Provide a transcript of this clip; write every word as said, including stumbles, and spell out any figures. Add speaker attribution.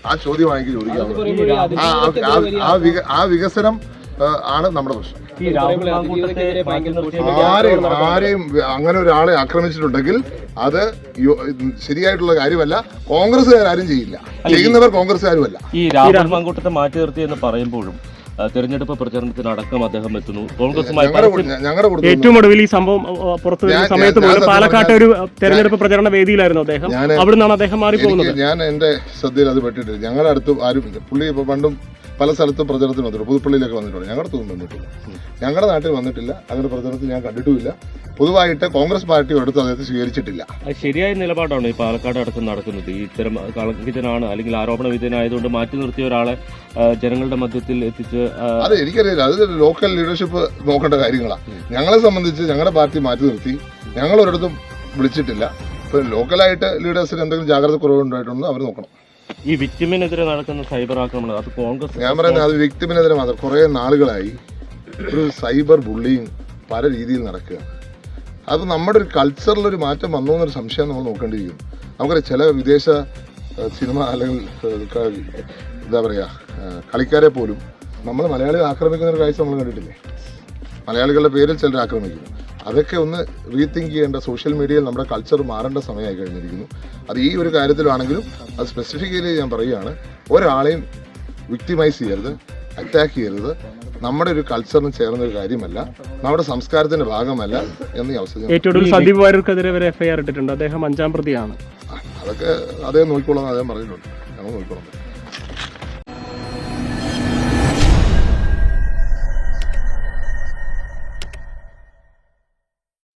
Speaker 1: ആ ചോദ്യമാണെങ്കിൽ ചോദിക്കാവുന്നത്. ആ വികസനം ആണ് നമ്മുടെ പ്രശ്നം. ആരെയും ആരെയും അങ്ങനെ ഒരാളെ ആക്രമിച്ചിട്ടുണ്ടെങ്കിൽ അത് ശരിയായിട്ടുള്ള കാര്യമല്ല. കോൺഗ്രസ്സുകാരും ചെയ്യില്ല, ചെയ്യുന്നവർ കോൺഗ്രസ്സുകാരുമല്ല.
Speaker 2: ഈ രാഹുൽ മാങ്കൂട്ടത്തെ മാറ്റി നിർത്തി എന്ന് പറയുമ്പോഴും തെരഞ്ഞെടുപ്പ് പ്രചരണത്തിനടക്കം അദ്ദേഹം എത്തുന്നു. കോൺഗ്രസുമായി
Speaker 3: ഏറ്റവും ഒടുവിൽ ഈ സംഭവം പുറത്തു വരുന്ന സമയത്ത് പോലും പാലക്കാട്ടെ ഒരു തെരഞ്ഞെടുപ്പ് പ്രചരണ വേദിയിലായിരുന്നു അദ്ദേഹം. അവിടെ നിന്നാണ് അദ്ദേഹം മാറിപ്പോകുന്നത്.
Speaker 1: ഞാൻ എന്റെ ശ്രദ്ധയിൽ അത് പെട്ടിട്ടില്ല. ഞങ്ങളുടെ അടുത്ത് ആരും പുള്ളി ഇപ്പൊ പണ്ടും പല സ്ഥലത്തും പ്രചരണത്തിന് വന്നിട്ടുണ്ട്. പുതുപ്പള്ളിയിലൊക്കെ വന്നിട്ടുണ്ട്. ഞങ്ങളുടെ അടുത്തൊന്നും വന്നിട്ടില്ല. ഞങ്ങളുടെ നാട്ടിൽ വന്നിട്ടില്ല. അങ്ങനെ പ്രചരണത്തിൽ ഞാൻ കണ്ടിട്ടുമില്ല. പൊതുവായിട്ട് കോൺഗ്രസ് പാർട്ടി ഒരിടത്തും അദ്ദേഹത്തെ സ്വീകരിച്ചിട്ടില്ല.
Speaker 2: ശരിയായ നിലപാടാണ് ഈ പാലക്കാട് അടക്കം നടക്കുന്നത്. ഈ ഇത്തരം കളങ്കിതനാണ് അല്ലെങ്കിൽ ആരോപണ വിധേയനായതുകൊണ്ട് മാറ്റി നിർത്തിയ ഒരാളെ ജനങ്ങളുടെ മധ്യത്തിൽ എത്തിച്ച്
Speaker 1: അത് എനിക്കറിയില്ല. അത് ലോക്കൽ ലീഡർഷിപ്പ് നോക്കേണ്ട കാര്യങ്ങളാണ്. ഞങ്ങളെ സംബന്ധിച്ച് ഞങ്ങളുടെ പാർട്ടി മാറ്റി നിർത്തി. ഞങ്ങൾ ഒരിടത്തും വിളിച്ചിട്ടില്ല. ഇപ്പൊ ലോക്കലായിട്ട് ലീഡേഴ്സിന് എന്തെങ്കിലും ജാഗ്രത കുറവുണ്ടായിട്ടുണ്ടോ അവർ നോക്കണം.
Speaker 2: ഈ വിക്ടിമിനെതിരെ നടക്കുന്ന സൈബർ ആക്രമണം അത് കോൺഗ്രസ്
Speaker 1: ഞാൻ പറയുന്നത് അത് വിക്ടിമിനെതിരെ മാത്രം കുറേ നാളുകളായി ഒരു സൈബർ ബുള്ളിങ് പല രീതിയിൽ നടക്കുകയാണ്. അത് നമ്മുടെ ഒരു കൾച്ചറിലൊരു മാറ്റം വന്നോ എന്നൊരു സംശയം നമ്മൾ നോക്കേണ്ടിയിരിക്കുന്നു. നമുക്കറിയാം ചില വിദേശ സിനിമ അല്ലെങ്കിൽ എന്താ പറയുക കളിക്കാരെ പോലും നമ്മൾ മലയാളികൾ ആക്രമിക്കുന്ന ഒരു കാഴ്ച നമ്മൾ കണ്ടിട്ടില്ലേ? മലയാളികളുടെ പേരിൽ ചിലർ ആക്രമിക്കുന്നു. അതൊക്കെ ഒന്ന് റീതിങ്ക് ചെയ്യേണ്ട, സോഷ്യൽ മീഡിയയിൽ നമ്മുടെ കൾച്ചർ മാറേണ്ട സമയമായി കഴിഞ്ഞിരിക്കുന്നു. അത് ഈ ഒരു കാര്യത്തിലാണെങ്കിലും അത് സ്പെസിഫിക്കലി ഞാൻ പറയുകയാണ്, ഒരാളെയും വിക്ടിമൈസ് ചെയ്യരുത്, അറ്റാക്ക് ചെയ്യരുത്. നമ്മുടെ ഒരു കൾച്ചറിന് ചേർന്ന ഒരു കാര്യമല്ല, നമ്മുടെ സംസ്കാരത്തിന്റെ ഭാഗമല്ല എന്ന് ഈ അവസരം.
Speaker 3: ഏറ്റവും സന്ദീപ് വാര്യർക്കെതിരെ വരെ എഫ് ഐ ആർ ഇട്ടിട്ടുണ്ട്. അദ്ദേഹം അഞ്ചാം പ്രതിയാണ്.
Speaker 1: അതൊക്കെ അദ്ദേഹം നോക്കിക്കോളാം, അദ്ദേഹം പറഞ്ഞിട്ടുണ്ട്. ഞങ്ങൾ നോക്കിക്കോളാം.